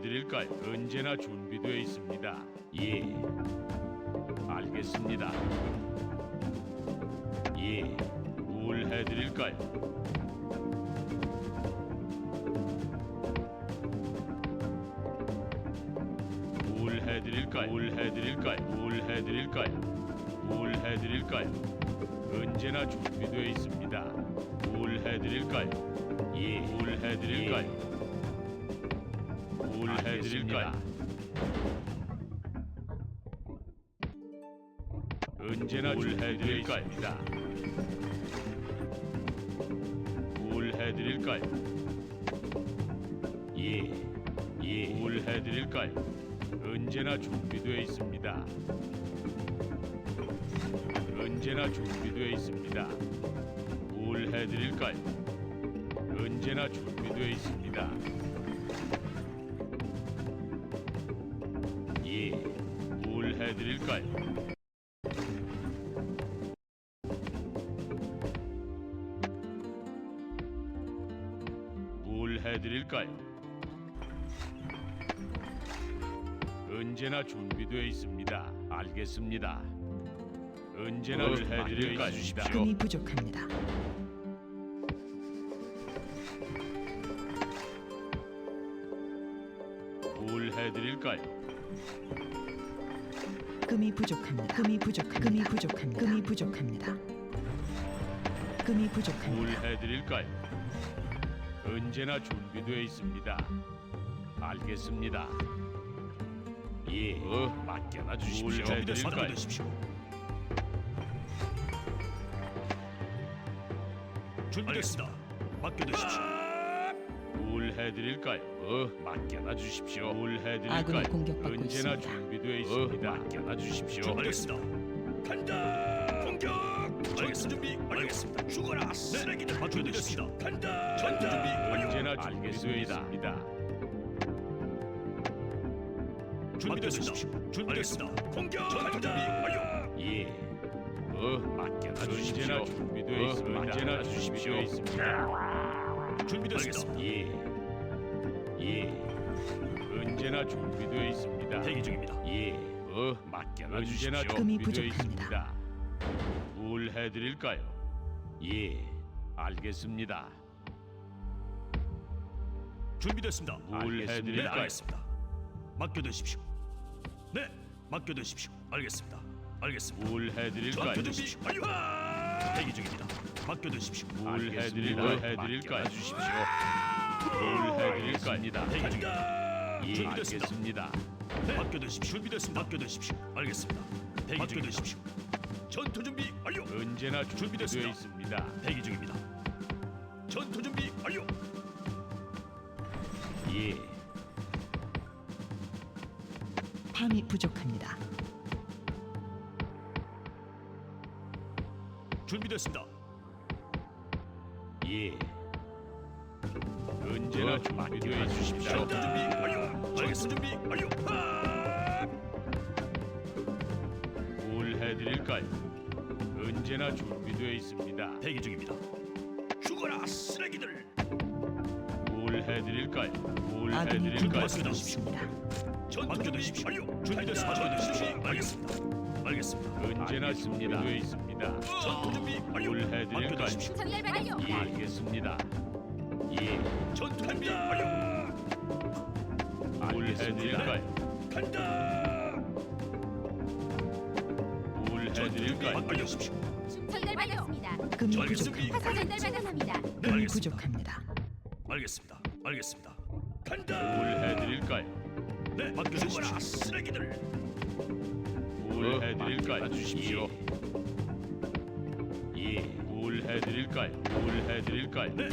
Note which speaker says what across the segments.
Speaker 1: 해드릴까요? 언제나 준비되어 있습니다. 예, 알겠습니다. 예, 뭘 해드릴까요? 뭘 해드릴까요? 뭘 해드릴까요? 뭘 해드릴까요? 뭘 해드릴까요? 언제나 준비되어 있습니다. 뭘 해드릴까요? 예, 뭘 해드릴까요? 뭘 해드릴까요? 언제나 준비되어 있습니다. 뭘 해드릴까요? 예, 예, 뭘 해드릴까요? 언제나 준비되어 있습니다. 언제나 준비되어 있습니다. 뭘 해드릴까요? 언제나 준비되어 있습니다. 예, 뭘 해드릴까요? 뭘 해드릴까요? 언제나 준비되어 있습니다. 알겠습니다. 언제나 해드릴까요?
Speaker 2: 금이 부족합니다.
Speaker 1: 뭘 해드릴까요?
Speaker 2: 금이 부족합니다. 금이 부족합니다. 금이 부족합니다. 금이 부족합니다. 금이
Speaker 1: 뭘
Speaker 2: 부족합니다.
Speaker 1: 해드릴까요? 언제나 준비되어 있습니다. 알겠습니다. 예, 맡겨놔 주십시오. 뭘 해드릴까요?
Speaker 3: 준비됐습니다. 맡겨두십시오.
Speaker 1: 뭘 해드릴까요? 맡겨놔 주십시오. 뭘 해드릴까요?
Speaker 2: 아군이 공격받고
Speaker 1: 언제나
Speaker 2: 있습니다.
Speaker 1: 준비되어 있습니다. 맡겨놔 주십시오.
Speaker 3: 준비됐습니다. 간다. 공격. 알겠습니다. 준비 알겠습니다. 죽어라 쓰레기들. 맡겨두십시오. 간다. 전투 준비 완료.
Speaker 1: 언제나 준비되어 있습니다.
Speaker 3: 준비됐습니다. 준비됐습니다. 공격. 전투 준비 완료.
Speaker 1: 예, 맡겨놔 주십시오. 언제나 준비되어 있습니다. 언제나 주십시오. 있습니다.
Speaker 3: 준비됐습니다.
Speaker 1: 예, 예, 언제나 준비되어 있습니다.
Speaker 3: 대기 중입니다.
Speaker 1: 예, 맡겨놔 주십시오. 언제나
Speaker 2: 금이
Speaker 1: 준비되어
Speaker 2: 부족합니다.
Speaker 1: 있습니다. 뭘 해드릴까요? 예, 알겠습니다.
Speaker 3: 준비됐습니다.
Speaker 1: 뭘
Speaker 3: 알겠습니다.
Speaker 1: 해드릴까요?
Speaker 3: 네, 알겠습니다. 맡겨두십시오. 네, 맡겨두십시오. 알겠습니다. 알겠습니다.
Speaker 1: 뭘 해드릴까요?
Speaker 3: 전투 준비 완료. 대기 중입니다. 맡겨두십시오.
Speaker 1: 뭘 해드릴까요? 주십시오. 뭘 해드릴까요?
Speaker 3: 대기 중입니다.
Speaker 1: 예,
Speaker 3: 준비됐습니다.
Speaker 1: 알겠습니다.
Speaker 3: 네. 맡겨두십시오. 준비됐습니다. 맡겨두십시오. 알겠습니다. 대기 맡겨두십시오. 전투 준비 완료.
Speaker 1: 언제나 준비되어
Speaker 3: 준비됐습니다.
Speaker 1: 있습니다.
Speaker 3: 대기 중입니다. 전투 준비 완료.
Speaker 1: 예,
Speaker 2: 밤이 부족합니다.
Speaker 3: 준비됐습니다.
Speaker 1: 예. 언제나 준비되어 있으십시오.
Speaker 3: 전투 준비 완료. 전투 준비 완료.
Speaker 1: 뭘 해드릴까요? 언제나 준비되어 있습니다.
Speaker 3: 대기 중입니다. 죽어라 쓰레기들.
Speaker 1: 뭘 해드릴까요? 뭘
Speaker 2: 아군이
Speaker 1: 해드릴까요?
Speaker 2: 공격받고 있습니다.
Speaker 3: 전투 준비 완료. 준비됐습니다. 전투 준비 알겠습니다. 알겠습니다.
Speaker 1: 언제나 준비되어 있습니다.
Speaker 3: 전투 준비 완료.
Speaker 1: 뭘 해드릴까요?
Speaker 3: 맡겨두십시오.
Speaker 4: 전열 완료.
Speaker 1: 예, 알겠습니다. 예,
Speaker 3: 전투 준비 완료.
Speaker 1: 뭘 해드릴까요?
Speaker 3: 간다.
Speaker 1: 뭘 해드릴까요?
Speaker 3: 맡겨주십시오.
Speaker 4: 전열 완료입니다.
Speaker 2: 금이
Speaker 3: 전기
Speaker 2: 부족합니다.
Speaker 4: 화살 전달 받았습니다.
Speaker 3: 네,
Speaker 2: 금이
Speaker 3: 알겠습니다.
Speaker 2: 부족합니다.
Speaker 3: 알겠습니다. 알겠습니다.
Speaker 1: 뭘
Speaker 3: 간다.
Speaker 1: 해드릴까요?
Speaker 3: 네, 맡겨주십시오. 쓰레기들.
Speaker 1: 뭘 해드릴까요? 주십시오. 예, 뭘 해드릴까요? 뭘 해드릴까요?
Speaker 3: 네.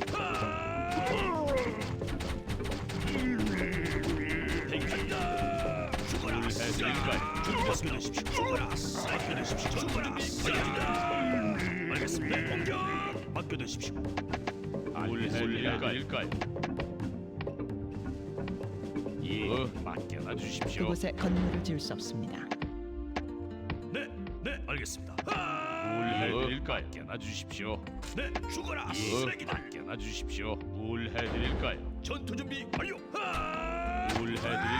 Speaker 3: 대기 간다. 죽어라.
Speaker 1: 뭘 해드릴까요?
Speaker 3: 맡겨주십시오. 죽어라. 맡겨주십시오. 죽어라. 알겠습니다. 네, 공격. 맡겨주십시오.
Speaker 1: 뭘 해드릴까요? 예, 맡겨놔 주십시오.
Speaker 2: 그곳에 건물을 지을 수 없습니다.
Speaker 3: 네, 네, 알겠습니다.
Speaker 1: 뭘 해드릴까요? 맡겨놔 주십시오.
Speaker 3: 네, 죽어라.
Speaker 1: 예,
Speaker 3: 쓰레기들.
Speaker 1: 맡겨놔 주십시오. 뭘 해드릴까요?
Speaker 3: 전투 준비 완료.
Speaker 1: 뭘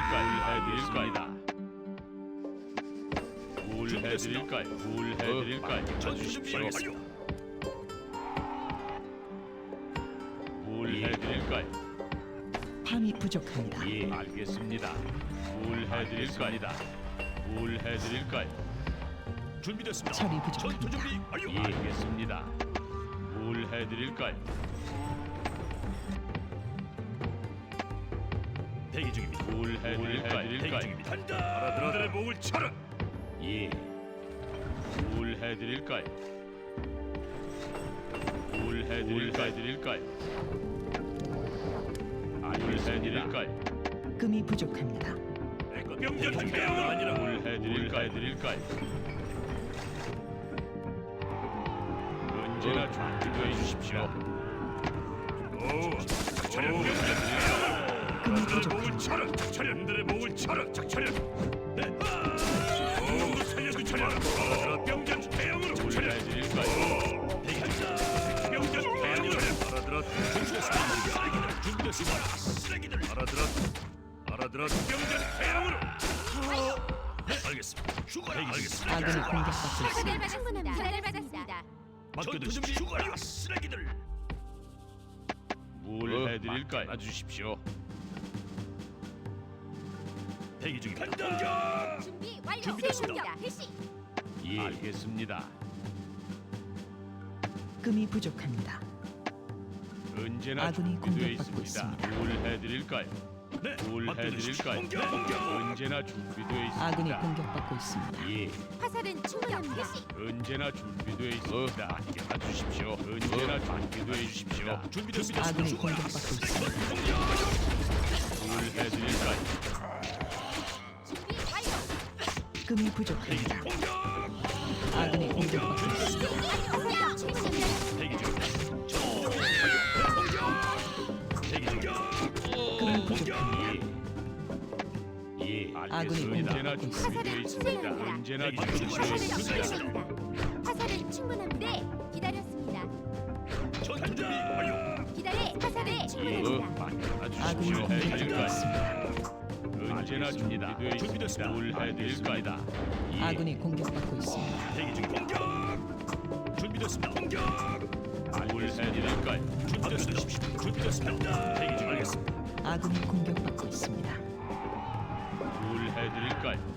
Speaker 1: 해드릴까요? 뭘 해드릴까요?
Speaker 3: 전투 준비 완료.
Speaker 1: 뭘 해드릴까요?
Speaker 2: 밤이 부족합니다.
Speaker 1: 예, 알겠습니다. 뭘 해드릴까요? 뭘 해드릴까요?
Speaker 3: 준비됐습니다.
Speaker 2: 철이
Speaker 3: 전투
Speaker 2: 부족합니다.
Speaker 3: 준비 완료.
Speaker 1: 예, 알겠습니다. 뭘 해드릴까요?
Speaker 3: 대기 중입니다.
Speaker 1: 뭘 해드릴까요?
Speaker 3: 대기 중입니다. 간다. 알아들어들의 목을 쳐라.
Speaker 1: 예. 뭘 해드릴까요? 뭘 해드릴까요? 뭘 해드릴까요?
Speaker 2: 금이 부족합니다.
Speaker 3: 명령 대응은 아니라
Speaker 1: 뭘 해드릴까요? 언제나 준비되어 주십시오.
Speaker 3: 차렷 명령
Speaker 2: 금이
Speaker 3: 목을
Speaker 2: 부족합니다.
Speaker 3: 쳐라. 차렷들의 목을 쳐라. 차렷. 네. 오, 살려주 차렷. 명령 대응으로
Speaker 1: 뭘
Speaker 3: 차렷.
Speaker 1: 해드릴까요?
Speaker 3: 대기 중입니다. 명령 대응으로 알아들었. 준비됐습니다. 준비됐습니다. 쓰레기들. 알아들었. 명령 대응으로. 네, 알겠습니다. 죽어라. 알겠습니다.
Speaker 2: 아군이 공격받고 있습니다.
Speaker 4: 충분합니다. 전달 받았습니다.
Speaker 3: 맡겨두십시오. 죽어라. 쓰레기들.
Speaker 1: 뭘 해드릴까요? 주십시오.
Speaker 3: 대기 중입니다. 간다.
Speaker 4: 준비 완료.
Speaker 3: 준비됐습니다.
Speaker 4: 공격 개시.
Speaker 1: 예, 알겠습니다.
Speaker 2: 금이 부족합니다.
Speaker 1: 언제나
Speaker 2: 아군이
Speaker 1: 준비되어
Speaker 2: 공격받고
Speaker 1: 있습니다. 뭘 해드릴까요?
Speaker 3: 네.
Speaker 1: 뭘
Speaker 3: 맡겨두십시오.
Speaker 1: 해드릴까요?
Speaker 3: 공격.
Speaker 1: 언제나 준비되어 있습니다.
Speaker 2: 아군이 공격받고 있습니다.
Speaker 1: 예,
Speaker 4: 화살은 충분합니다. 개시.
Speaker 1: 언제나 준비되어 있습니다. 맡겨놔 주십시오. 언제나 준비되어 주십시오.
Speaker 3: 준비됐습니다.
Speaker 2: 아군이 공격받고 있습니다.
Speaker 1: 뭘 해드릴까요?
Speaker 4: 준비 완료.
Speaker 2: 금이 부족합니다. 아군이 공격받고 있습니다.
Speaker 4: 화살은 충분합니다.
Speaker 3: 대기 중입니다. 대기 중입니다.
Speaker 2: 금이 부족합니다.
Speaker 1: 예,
Speaker 2: 아군이
Speaker 1: 알겠습니다. 언제나
Speaker 2: 공격받고
Speaker 1: 준비되어 있습니다.
Speaker 4: 있습니다.
Speaker 1: 언제나
Speaker 3: 대기
Speaker 1: 준비되어
Speaker 3: 중입니다.
Speaker 1: 있습니다.
Speaker 4: 충분합니다. 화살은 충분합니다. 네, 기다렸습니다.
Speaker 3: 전투 준비 완료.
Speaker 4: 기다려. 화살은
Speaker 1: 예,
Speaker 4: 충분합니다.
Speaker 1: 맡겨놔
Speaker 2: 아군이
Speaker 1: 주십시오.
Speaker 2: 공격받고
Speaker 1: 해드릴까요?
Speaker 2: 있습니다.
Speaker 1: 언제나 준비되어 있습니다. 뭘 해드릴까요? 예,
Speaker 2: 아군이 공격받고 있습니다.
Speaker 3: 대기 중입니다. 공격. 준비됐습니다. 공격.
Speaker 1: 뭘 해드릴까요?
Speaker 3: 준비됐습니다. 준비됐습니다. 대기 중 알겠습니다.
Speaker 2: 아군이 공격받고 있습니다.
Speaker 1: 뭘 해드릴까요?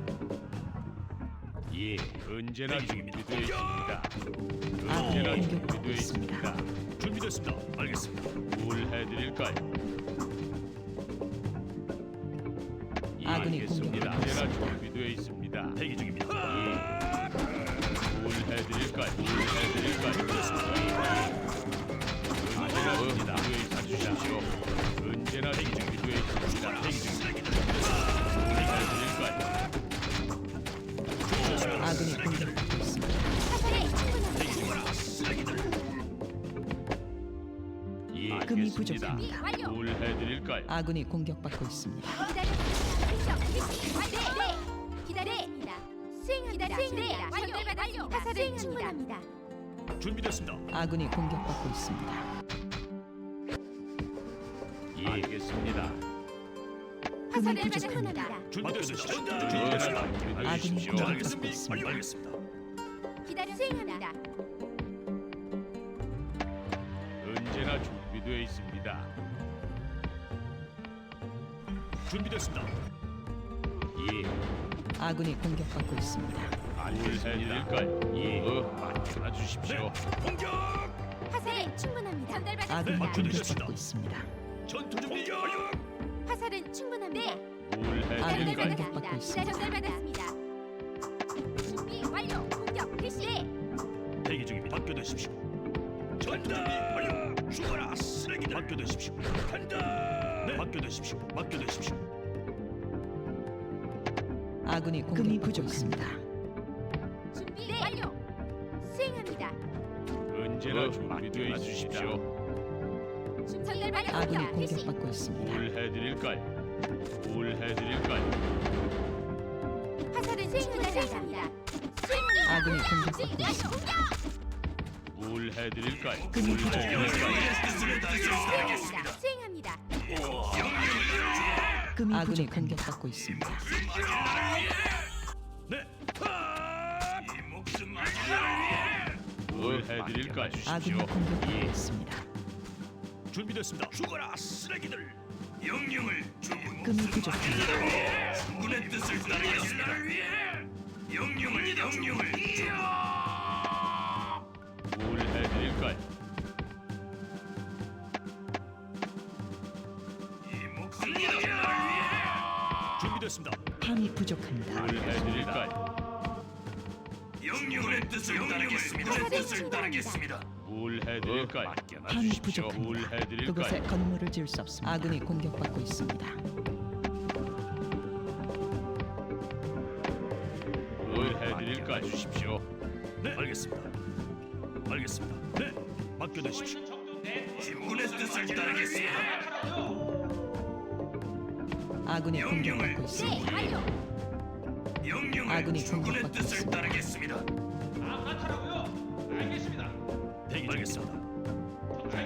Speaker 1: 예, 언제나
Speaker 3: 대기 중입니다.
Speaker 1: 준비되어 있습니다.
Speaker 2: 아군이
Speaker 1: 언제나
Speaker 2: 공격받고
Speaker 1: 준비되어
Speaker 2: 있습니다.
Speaker 1: 있습니다.
Speaker 3: 준비됐습니다. 알겠습니다.
Speaker 1: 뭘 해드릴까요? 예,
Speaker 2: 아군이
Speaker 1: 알겠습니다.
Speaker 2: 공격받고
Speaker 1: 언제나 준비되어 있습니다.
Speaker 3: 대기 중입니다.
Speaker 1: 뭘 해드릴까요? 뭘 해드릴까요? 언제나 준비되어 있으십시오. 언제나 준비되어 있습니다.
Speaker 3: 대기 중.
Speaker 1: 뭘 해드릴까요?
Speaker 2: 아군이 공격받고 있습니다.
Speaker 4: 화살은 충분합니다.
Speaker 3: 쓰레기들.
Speaker 1: 예,
Speaker 2: 금이
Speaker 1: 알겠습니다.
Speaker 2: 부족합니다.
Speaker 4: 완료.
Speaker 1: 뭘 해드릴까요?
Speaker 2: 아군이 공격받고 있습니다.
Speaker 4: 기다렸습니다. 공격 개시. 완료. 네. 기다립니다. 수행합니다. 수행합니다. 완료. 화살은 충분합니다.
Speaker 3: 준비됐습니다.
Speaker 2: 아군이 공격받고 있습니다.
Speaker 1: 예, 알겠습니다.
Speaker 4: 화살은
Speaker 2: 부족합니다.
Speaker 4: 충분합니다.
Speaker 3: 준비됐습니다.
Speaker 1: 준비됐습니다.
Speaker 2: 아군이
Speaker 3: 알겠습니다.
Speaker 2: 공격받고
Speaker 3: 알겠습니다.
Speaker 2: 있습니다.
Speaker 3: 알겠습니다.
Speaker 4: 기다렸습니다.
Speaker 1: 언제나 준비되어 있습니다.
Speaker 3: 준비됐습니다.
Speaker 1: 예,
Speaker 2: 아군이 공격받고 있습니다.
Speaker 1: 뭘 해드릴까요? 예, 맡겨놔 주십시오.
Speaker 3: 공격.
Speaker 4: 화살은 충분합니다.
Speaker 2: 아군이
Speaker 4: 전달받았습니다.
Speaker 2: 공격받고 있습니다.
Speaker 3: 전투 준비 완료.
Speaker 4: 화살은 충분합니다.
Speaker 1: 뭘
Speaker 2: 아군이
Speaker 1: 해드릴까요?
Speaker 2: 공격받고 있습니다.
Speaker 4: 전달받았습니다. 준비 완료. 공격 개시.
Speaker 3: 대기 중입니다. 맡겨두십시오. 전투 준비 완료. 죽어라 쓰레기들. 맡겨두십시오. 간다. 네. 맡겨두십시오. 맡겨두십시오.
Speaker 2: 아군이 공격받고 있습니다.
Speaker 4: 준비 완료. 수행합니다.
Speaker 1: 언제나 준비되어 있으십시오.
Speaker 4: 전달받았습니다.
Speaker 2: 아군이
Speaker 4: 개시.
Speaker 2: 공격받고 있습니다.
Speaker 1: 뭘 해드릴까요? 뭘 해드릴까요?
Speaker 4: 화살은 충분합니다.
Speaker 2: 아군이 공격받고 있습니다.
Speaker 1: 뭘 해드릴까요?
Speaker 2: 금이
Speaker 1: 뭘
Speaker 2: 부족합니다.
Speaker 1: 해드릴까요?
Speaker 4: 수행합니다.
Speaker 2: 금이 아군이 공격받고 있습니다.
Speaker 3: 네. 이 목숨 마지막을 위해
Speaker 1: 뭘 해드릴까요?
Speaker 2: 아군이 공격받고 있습니다.
Speaker 3: 준비됐습니다. 죽어라 쓰레기들. 영령을 주고
Speaker 2: 금이 부족합니다.
Speaker 3: 군의 뜻을 따르겠습니다. 영령을
Speaker 1: 뭘 해드릴까요?
Speaker 3: 이 목숨 마지막을 위해 준비됐습니다.
Speaker 2: 밤이 부족합니다.
Speaker 1: 뭘 해드릴까요?
Speaker 3: 영령의 뜻을 따르겠습니다.
Speaker 4: 뜻을 따르겠습니다.
Speaker 1: 뭘 해드릴까요? 맡겨놔
Speaker 2: 밤이
Speaker 1: 주십시오. 뭘
Speaker 2: 부족합니다.
Speaker 1: 해드릴까요?
Speaker 2: 그곳에 건물을 지을 수 없습니다. 아군이 공격받고 있습니다.
Speaker 1: 뭘 해드릴까요? 주십시오.
Speaker 3: 네, 알겠습니다. 알겠습니다. 네, 맡겨두십시오. 군의 뜻을 따르겠습니다.
Speaker 2: 아군이 공격받고
Speaker 4: 네,
Speaker 2: 있습니다.
Speaker 4: 완료.
Speaker 3: 영령을
Speaker 2: 아군이
Speaker 3: 주군의
Speaker 2: 공격받고
Speaker 3: 뜻을
Speaker 2: 있습니다.
Speaker 3: 따르겠습니다. 대기 중입니다.
Speaker 1: 뭘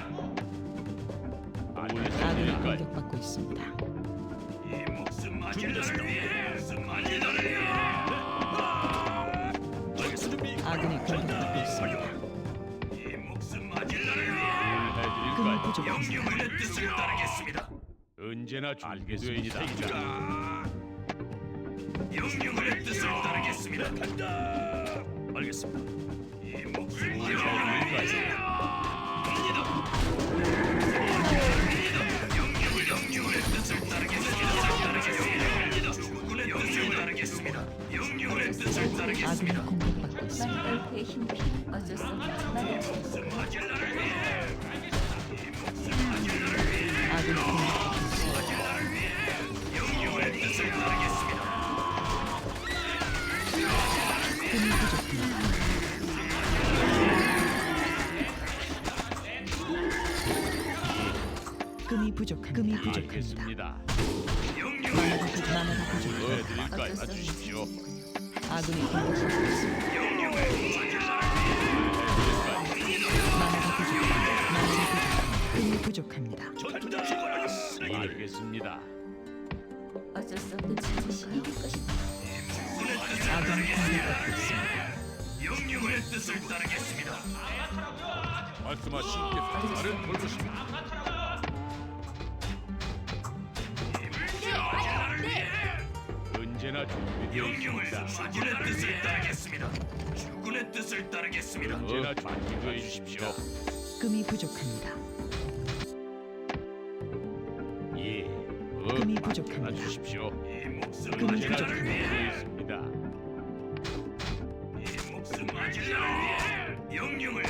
Speaker 2: 아군이
Speaker 1: 해드릴까요?
Speaker 2: 공격받고 있습니다.
Speaker 3: 이 목숨 마지막을 위해 목숨 마지막을 위해 알겠습니다.
Speaker 2: 아군이 공격받고 있습니다.
Speaker 3: 이 목숨 마지막을 위해
Speaker 1: 뭘
Speaker 2: 금이
Speaker 1: 해드릴까요?
Speaker 2: 부족합니다.
Speaker 3: 영령의 뜻을 따르겠습니다.
Speaker 1: 언제나 준비되어
Speaker 3: 영령의 뜻을 따르겠습니다. 간다. 알겠습니다. 이 목숨 마지막을 위해 영령의 뜻을 따르겠습니다. 주군의 뜻을 따르겠습니다. 영령의 뜻을
Speaker 2: 아군이
Speaker 3: 따르겠습니다.
Speaker 2: 공격받고 있습니다.
Speaker 5: 마누라의 힘이 어쩔 수 없다.
Speaker 3: 목숨 마지막을 위해
Speaker 2: 아군이 공격받고 있습니다.
Speaker 3: 영령의 뜻을 따르겠습니다.
Speaker 2: 금이 부족합니다. 금이 부족합니다.
Speaker 1: 알겠습니다.
Speaker 3: 영령의
Speaker 2: 마나가 부족합니다.
Speaker 1: 뭘 해드릴까요? 주십시오.
Speaker 2: 아군이 공격받고 있습니다.
Speaker 3: 영령의
Speaker 2: 마나가 부족합니다. 마나가 부족합니다. 금이 부족합니다.
Speaker 3: 전투다 죽어라 쓰레기.
Speaker 1: 알겠습니다.
Speaker 5: 어쩔 수 없는 짓이 이길 것이다.
Speaker 2: 아군이 공격받고 있습니다.
Speaker 3: 영령의 뜻을 따르겠습니다.
Speaker 1: 말씀하신 게 다른 돌보십니다.
Speaker 4: 네, 완료. 네.
Speaker 1: 언제나 준비되어
Speaker 3: 영령을
Speaker 1: 있습니다.
Speaker 3: 주군의 뜻을 따르겠습니다. 주군의 뜻을 따르겠습니다.
Speaker 1: 언제나 준비되어 주십시오.
Speaker 2: 금이 부족합니다.
Speaker 1: 예.
Speaker 2: 금이 부족합니다.
Speaker 1: 주십시오.
Speaker 3: 이 목숨
Speaker 2: 금이
Speaker 1: 언제나
Speaker 3: 마지막을
Speaker 2: 부족합니다.
Speaker 3: 위해
Speaker 1: 준비되어 있습니다.
Speaker 3: 이 목숨 마지막을 위해 영령을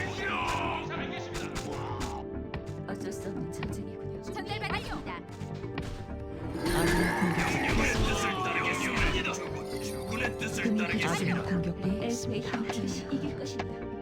Speaker 5: 어쩔 수 없는 전쟁이군요.
Speaker 4: 전달받았습니다.
Speaker 2: 아군이 공격받고
Speaker 3: 영령의
Speaker 2: 있습니다.
Speaker 3: 뜻을 따르겠습니다. 주군의 뜻을
Speaker 2: 금이
Speaker 3: 따르겠습니다.
Speaker 2: 아군이 공격받고
Speaker 5: 엘프의
Speaker 2: 있습니다.
Speaker 5: 힘 이길 것이다.